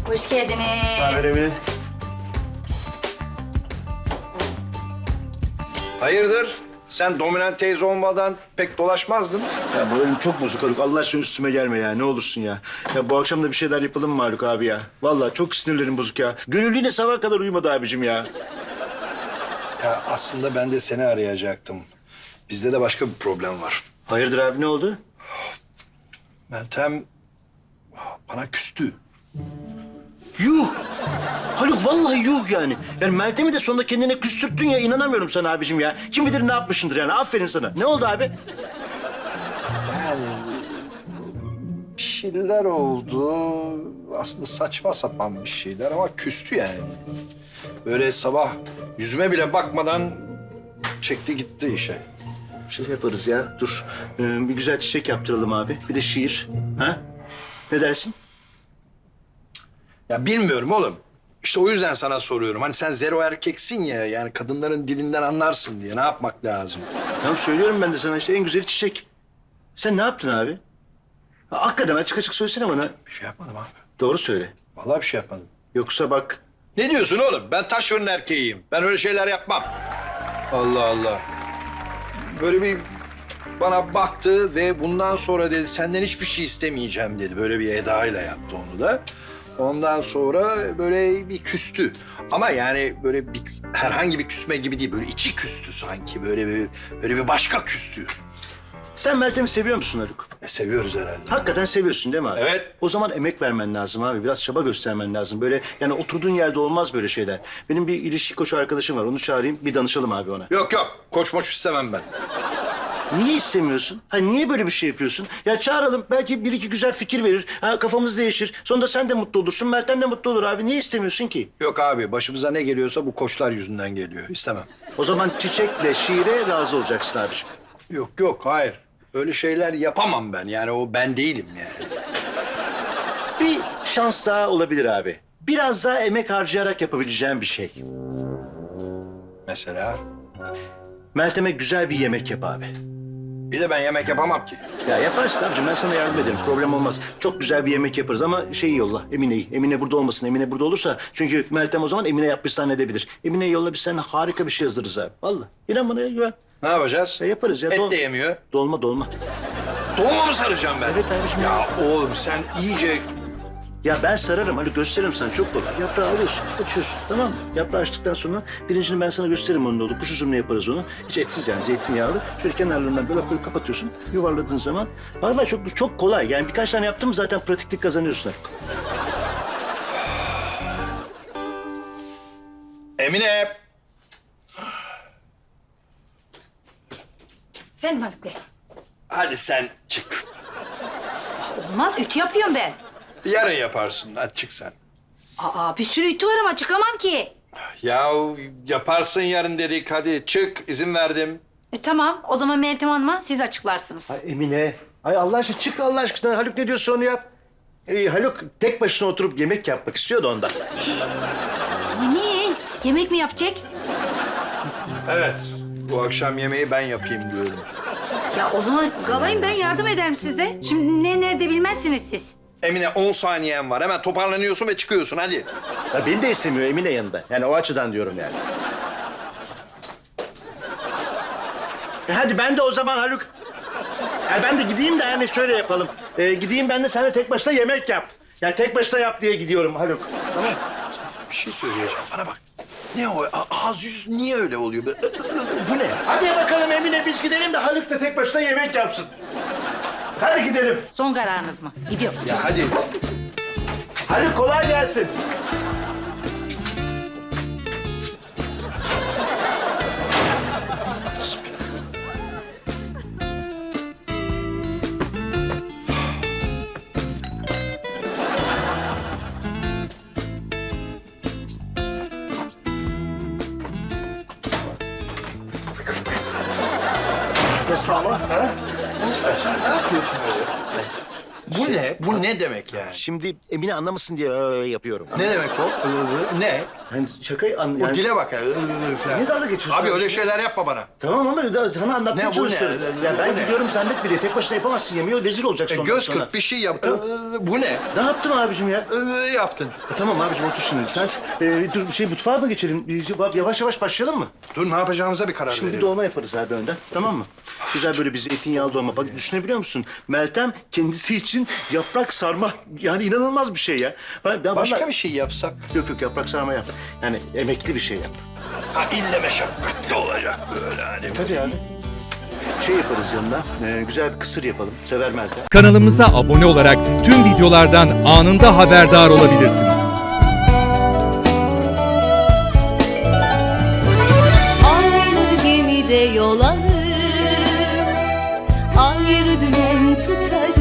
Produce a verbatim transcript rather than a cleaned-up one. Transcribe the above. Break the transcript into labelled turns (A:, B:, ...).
A: Hoş geldiniz.
B: Haber Emine.
C: Hayırdır? Sen dominant teyze olmadan pek dolaşmazdın.
B: Ya moralim çok bozuk Haluk. Allah aşkına üstüme gelme ya. Ne olursun ya. Ya bu akşam da bir şeyler yapalım mı Haluk abi ya? Vallahi çok sinirlerim bozuk ya. Gönül yine sabaha kadar uyumadı abicim ya.
C: Ya aslında ben de seni arayacaktım. Bizde de başka bir problem var.
B: Hayırdır abi, ne oldu?
C: Meltem bana küstü.
B: Yuh! Haluk vallahi yuh yani. Yani Meltem'i de sonunda kendine küstürttün ya. İnanamıyorum sana abicim ya. Kim bilir ne yapmışsındır yani. Aferin sana. Ne oldu abi?
C: Yani bir şeyler oldu. Aslında saçma sapan bir şeyler ama küstü yani. Böyle sabah yüzüme bile bakmadan çekti gitti işe.
B: Bir şey yaparız ya. Dur. Ee, bir güzel çiçek yaptıralım abi. Bir de şiir. Ha? Ne dersin?
C: Ya bilmiyorum oğlum. İşte o yüzden sana soruyorum. Hani sen zero erkeksin ya. Yani kadınların dilinden anlarsın diye. Ne yapmak lazım?
B: Tamam söylüyorum ben de sana işte en güzeli çiçek. Sen ne yaptın abi? Ha, hakikaten açık açık söylesene bana.
C: Bir şey yapmadım abi.
B: Doğru söyle.
C: Vallahi bir şey yapmadım.
B: Yoksa bak.
C: Ne diyorsun oğlum? Ben taş fırın erkeğiyim. Ben öyle şeyler yapmam. Allah Allah. Böyle bir bana baktı ve bundan sonra dedi senden hiçbir şey istemeyeceğim dedi. Böyle bir edayla yaptı onu da. Ondan sonra böyle bir küstü. Ama yani böyle bir herhangi bir küsme gibi değil. Böyle içi küstü sanki. Böyle bir böyle bir başka küstü.
B: Sen Meltem'i seviyor musun Haluk?
C: E, seviyoruz herhalde.
B: Hakikaten seviyorsun değil mi abi?
C: Evet.
B: O zaman emek vermen lazım abi. Biraz çaba göstermen lazım. Böyle yani oturduğun yerde olmaz böyle şeyler. Benim bir ilişki koçu arkadaşım var. Onu çağırayım. Bir danışalım abi ona.
C: Yok yok. Koç moç istemem ben.
B: Niye istemiyorsun? Ha niye böyle bir şey yapıyorsun? Ya çağıralım. Belki bir iki güzel fikir verir. Ha kafamız değişir. Sonunda sen de mutlu olursun. Meltem de mutlu olur abi. Niye istemiyorsun ki?
C: Yok abi. Başımıza ne geliyorsa bu koçlar yüzünden geliyor. İstemem.
B: O zaman çiçekle şiire razı olacaksın abiciğim.
C: Yok yok. Hayır. Öyle şeyler yapamam ben. Yani o ben değilim yani.
B: Bir şans daha olabilir abi. Biraz daha emek harcayarak yapabileceğim bir şey.
C: Mesela.
B: Meltem'e güzel bir yemek yap abi.
C: Bir de ben yemek yapamam ki.
B: Ya yaparsın abicim, ben sana yardım ederim. Problem olmaz. Çok güzel bir yemek yaparız ama şeyi yolla, Emine'yi. Emine burada olmasın. Emine burada olursa çünkü Meltem o zaman Emine yapmış zannedebilir. Emine'yi yolla, biz seninle harika bir şey yazdırırız abi. Vallahi. İnan bana ya, güven.
C: Ne yapacağız?
B: Ya yaparız ya.
C: Et
B: dol-
C: de yemiyor.
B: Dolma dolma.
C: Dolma mı saracağım ben?
B: Evet abiciğim.
C: Ya oğlum sen iyice...
B: Ya ben sararım, hadi gösteririm sana, çok kolay. Yaprağı alıyorsun, açıyorsun, tamam mı? Yaprağı açtıktan sonra pirincini ben sana gösteririm onun ne olur. Kuş üzümünü yaparız onu. Hiç etsiz yani, zeytinyağlı. Şöyle kenarlarından böyle böyle kapatıyorsun, yuvarladığın zaman. Vallahi çok çok kolay. Yani birkaç tane yaptın mı zaten pratiklik kazanıyorsun artık.
C: Emine.
A: Efendim Haluk Bey.
C: Hadi sen çık.
A: Olmaz, ütü yapıyorum ben.
C: Yarın yaparsın. Hadi çık sen.
A: Aa, bir sürü ütü var ama çıkamam ki.
C: Ya yaparsın yarın dedik. Hadi çık. İzin verdim.
A: E, tamam, o zaman Meltem Hanım'a siz açıklarsınız.
B: Ay Emine, ay Allah aşkına çık Allah aşkına. Haluk ne diyorsa onu yap. Ee, Haluk tek başına oturup yemek yapmak istiyordu ondan.
A: Niye? Yemek mi yapacak?
C: Evet. Bu akşam yemeği ben yapayım diyorum.
A: Ya o zaman galayım, ben yardım ederim size. Şimdi ne nerede bilmezsiniz siz.
C: Emine on saniyen var. Hemen toparlanıyorsun ve çıkıyorsun. Hadi.
B: Ya beni de istemiyor Emine yanında. Yani o açıdan diyorum yani. E hadi ben de o zaman Haluk. Ya ben de gideyim de yani şöyle yapalım. Ee, gideyim ben de sen de tek başına yemek yap. Yani tek başına yap diye gidiyorum Haluk. Tamam.
C: Bir şey söyleyeceğim. Bana bak. Ne o? A- ağız yüz niye öyle oluyor? Bu ne?
B: Hadi bakalım Emine, biz gidelim de Haluk da tek başına yemek yapsın. Hadi gidelim.
A: Son kararınız mı? Gidiyorum.
C: Ya hadi.
B: Haluk kolay gelsin. Nasıl ama? Ha?
C: Ne yapıyorsun böyle? Bu ne? Bu ne demek yani?
B: Şimdi Emine anlamasın diye öyle yapıyorum.
C: Ne demek o? Ne?
B: Yani şakayı an...
C: O
B: Yani...
C: dile bak ya. ı, ı, ı falan.
B: Niye dalga geçiyorsun?
C: Abi öyle şeyler yapma bana.
B: Tamam ama da sana anlatmaya
C: Ne bu
B: çalışıyorum.
C: ne?
B: Ya ben
C: Bu ne?
B: gidiyorum zannet bile. Tek başına yapamazsın yemeği. Rezil olacaksın
C: E,
B: ondan
C: göz
B: sonra.
C: kırp bir şey yap.
B: Tamam.
C: I, Bu ne?
B: Ne yaptım abicim ya?
C: I, Yaptın.
B: E, tamam abicim otur şimdi. Sen e, dur bir şey mutfağa mı geçelim? Bir, şey- yavaş yavaş başlayalım mı?
C: Dur ne yapacağımıza bir karar
B: Şimdi bir
C: verelim.
B: dolma yaparız abi önden. Tamam mı? Güzel böyle bir zeytinyağlı dolma. Bak düşünebiliyor musun? Meltem kendisi için yaprak sarma. Yani inanılmaz bir şey ya. Ben, ben
C: Başka
B: vallahi-
C: bir şey yapsak.
B: Yok yok yaprak sarma yap. Yani emekli bir şey yap.
C: Ha ille meşakkatli olacak böyle hani.
B: Tabii abi. Şey yaparız yanına. e, güzel bir kısır yapalım. Sever Meltem.
D: Kanalımıza abone olarak tüm videolardan anında haberdar olabilirsiniz.
E: Aynı gemide yol alır, ayrı dümen tutarız.